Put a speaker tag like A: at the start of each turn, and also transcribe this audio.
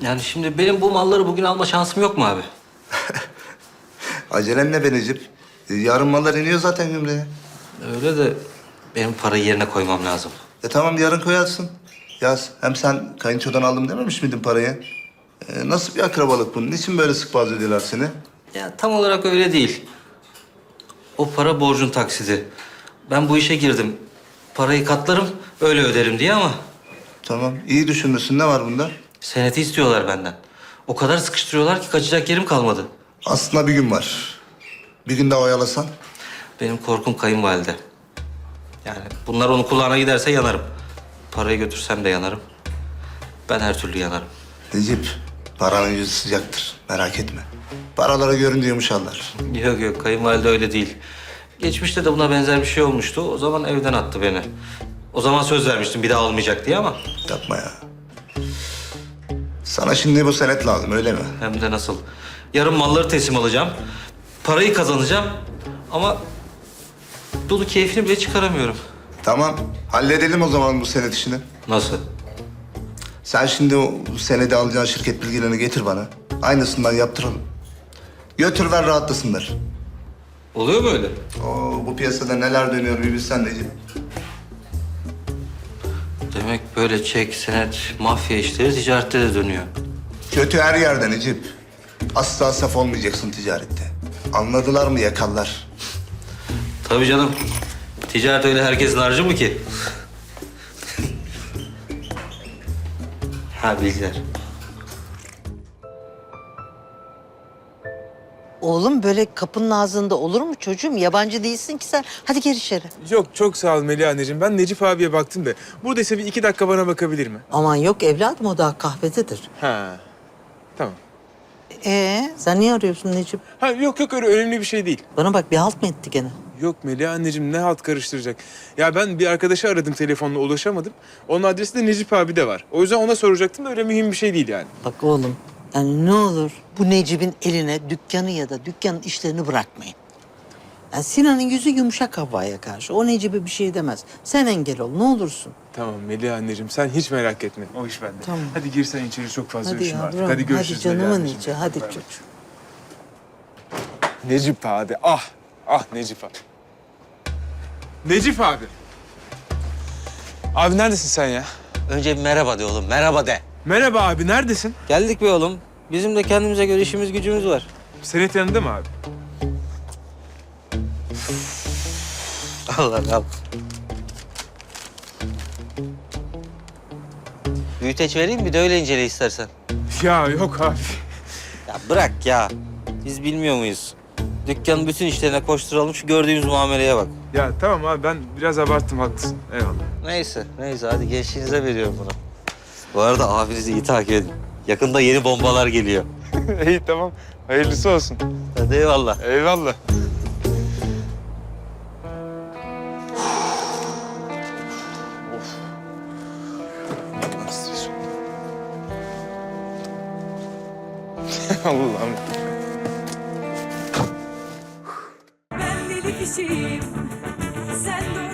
A: Yani şimdi benim bu malları bugün alma şansım yok mu abi?
B: Acelen ne be Necip? Yarın mallar iniyor zaten gümrüğe.
A: Öyle de benim parayı yerine koymam lazım.
B: Tamam yarın koyarsın. Yaz. Hem sen kayınçodan aldım dememiş miydin parayı? Nasıl bir akrabalık bu? Niçin böyle sık boğaz ediyorlar seni?
A: Ya tam olarak öyle değil. O para borcun taksidi. Ben bu işe girdim. Parayı katlarım, öyle öderim diye ama
B: Tamam iyi düşünmüşsün. Ne var bunda?
A: seneti istiyorlar benden. O kadar sıkıştırıyorlar ki kaçacak yerim kalmadı.
B: Aslında bir gün var. Bir gün daha oyalasan.
A: Benim korkum kayınvalide. Yani bunlar onun kulağına giderse yanarım. Parayı götürsem de yanarım. Ben her türlü yanarım.
B: Necip, paranın yüzü sıcaktır. Merak etme. Paralara görünce yumuşarlar.
A: Yok yok, kayınvalide öyle değil. Geçmişte de buna benzer bir şey olmuştu. O zaman evden attı beni. O zaman söz vermiştim bir daha olmayacak diye ama
B: Yapma ya. Sana şimdi bu senet lazım öyle mi?
A: hem de nasıl. Yarın malları teslim alacağım. Parayı kazanacağım ama dolu keyfini bile çıkaramıyorum.
B: Tamam. Halledelim o zaman bu senet işini.
A: Nasıl?
B: Sen şimdi o senedi alacağın şirket bilgilerini getir bana. Aynısından yaptıralım. Götür ver rahatlasınlar.
A: Oluyor mu öyle?
B: Bu piyasada neler dönüyor bir bilsen Necip.
A: Demek böyle çek, senet, mafya işleri ticarette de dönüyor.
B: Kötü her yerde Necip. Asla saf olmayacaksın ticarette. Anladılar mı yakarlar.
A: Tabii canım. Ticaret öyle herkesin harcı mı ki? Ha bilgiler.
C: Oğlum böyle kapının ağzında olur mu çocuğum? Yabancı değilsin ki sen. Hadi gir içeri.
D: Yok çok sağ ol Melih anneciğim. Ben Necip abiye baktım da. Buradaysa bir 2 dakika bana bakabilir mi?
C: Aman yok evladım o daha kahvededir.
D: Ha. Tamam.
C: Sen niye arıyorsun Necip?
D: Ha yok öyle önemli bir şey değil.
C: Bana bak bir halt mı etti gene?
D: Yok Melih anneciğim ne halt karıştıracak. Ya ben bir arkadaşı aradım telefonla ulaşamadım. Onun adresi de Necip abi de var. O yüzden ona soracaktım da öyle mühim bir şey değil yani.
C: Bak oğlum yani ne olur bu Necip'in eline dükkanı ya da dükkanın işlerini bırakmayın. Yani Sinan'ın yüzü yumuşak Havva'ya karşı. O Necip'e bir şey demez. Sen engel ol ne olursun.
D: Tamam Melih anneciğim sen hiç merak etme. O iş bende.
C: Tamam.
D: Hadi girsen içeri çok fazla
C: Hadi
D: üşüme artık.
C: yavrum.
D: Hadi görüşürüz
C: Hadi
D: Melih
C: canımın
D: anneciğim.
C: içi. Hadi
D: Bay bay.
C: çocuğum.
D: Necip abi ah. Ah Necip abi. Necip abi. Abi neredesin sen ya?
A: Önce bir merhaba de oğlum, merhaba de.
D: Merhaba abi neredesin?
A: Geldik be oğlum. Bizim de kendimize göre işimiz gücümüz var.
D: Senet yanında mı abi?
A: Allah Allah. Büyüteç vereyim bir de öyle incele istersen.
D: Ya yok abi.
A: Ya bırak ya. Biz bilmiyor muyuz? Dükkanın bütün işlerine koşturalım şu gördüğümüz muameleye bak.
D: Ya tamam abi ben biraz abarttım haklısın. Eyvallah.
A: Neyse hadi gençliğinize veriyorum bunu. Bu arada abinizi iyi takip edin. Yakında yeni bombalar geliyor.
D: İyi tamam. Hayırlısı olsun.
A: Hadi eyvallah.
D: Eyvallah. Allah'ım.
E: Ben deli kişiyim, sen de